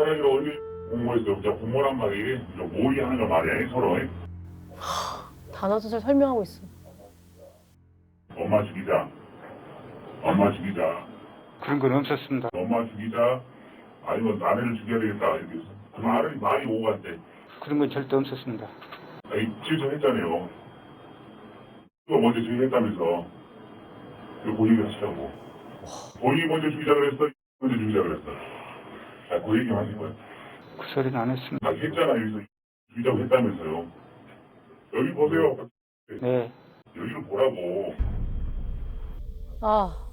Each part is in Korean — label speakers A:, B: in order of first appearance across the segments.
A: 사랑이라고 공모했어요. 진짜 공모란 말이 모의하는 거 말이야 서로.
B: 단어 자체를 설명하고 있어.
A: 엄마 죽이자. 엄마 죽이자.
C: 그런 건 없었습니다.
A: 엄마 죽이자. 아니면 아내를 죽여야 되겠다 이렇게 해서 그 말이 오고 갔대.
C: 그런 건 절대 없었습니다.
A: 아니 지휘했잖아요. 또 먼저 지휘했다면서. 그 얘기 하시라고. 본인이 먼저 죽이자 그랬어. 먼저 죽이자 그랬어. 그 얘기 하신 거야.
C: 그 소리는 안 했습니다.
A: 했잖아 여기서 죽이자고 했다면서요. 여기 보세요.
C: 네.
A: 여기를 보라고.
B: 아,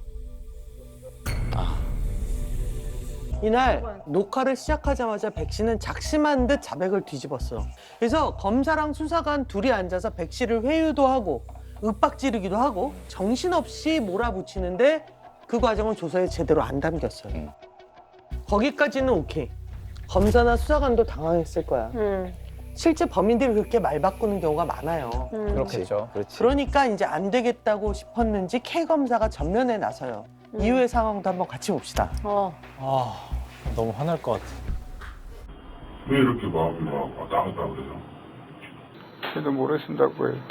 D: 이날 녹화를 시작하자마자 백 씨는 작심한 듯 자백을 뒤집었어. 그래서 검사랑 수사관 둘이 앉아서 백 씨를 회유도 하고 윽박지르기도 하고 정신없이 몰아붙이는데 그 과정은 조서에 제대로 안 담겼어요. 거기까지는 오케이. 검사나 수사관도 당황했을 거야. 실제 범인들이 그렇게 말 바꾸는 경우가 많아요.
E: 그렇겠죠. 그렇지.
D: 그러니까 이제 안 되겠다고 싶었는지 K 검사가 전면에 나서요. 이후의 상황도 한번 같이 봅시다.
E: 아, 너무 화날 것 같아.
A: 왜 이렇게 마음이 막 왔다 갔다 그래요?
C: 저도 모르겠다고 해요.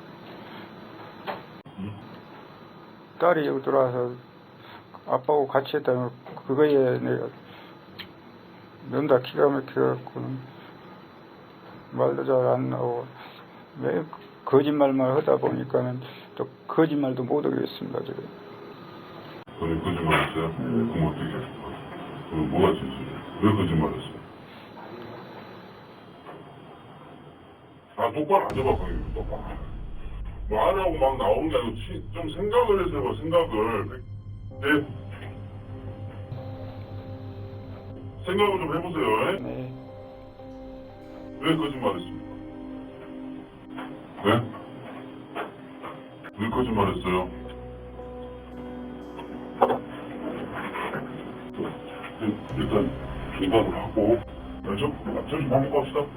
C: 딸이 여기 들어와서 아빠하고 같이 했다면 그거에 내가 면다 기가 막혀갖고는 말도 잘 안 나오고 왜 거짓말만 하다 보니까는 또 거짓말도 못 하겠습니다. 지금.
A: 그래 거짓말했어요? 그럼 어떻게 했어? 그 뭐가 진실이야? 왜 거짓말했어? 똑바로 앉아봐 거기 똑바로. 말하고 막 나오는 게 아니고 좀 생각을 해서 해봐 생각을. 네. 생각을 좀 해보세요.
C: 네.
A: 왜 거짓말했습니까? 네? 왜 거짓말했어요? 일단 중단을 하고 좀 밥 먹고 합시다.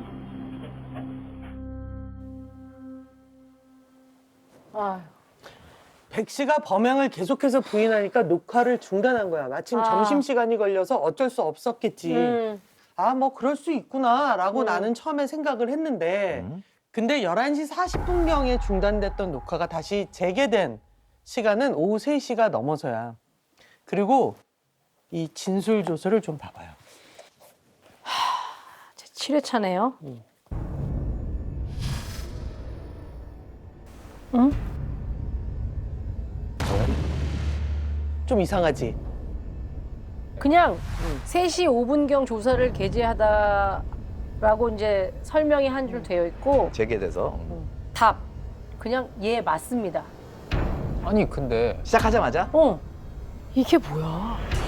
B: 아,
D: 백 씨가 범행을 계속해서 부인하니까 녹화를 중단한 거야. 마침 점심시간이 걸려서 어쩔 수 없었겠지. 아, 뭐 그럴 수 있구나라고 나는 처음에 생각을 했는데 근데 11시 40분경에 중단됐던 녹화가 다시 재개된 시간은 오후 3시가 넘어서야. 그리고 이 진술 조서를 좀 봐봐요.
B: 제 7회차네요. 응?
D: 좀 이상하지?
B: 그냥 3시 5분경 조사를 게재하다라고 이제 설명이 한 줄 되어 있고
E: 재개돼서.
B: 답 그냥 예 맞습니다.
E: 아니 근데 시작하자마자
B: 이게 뭐야?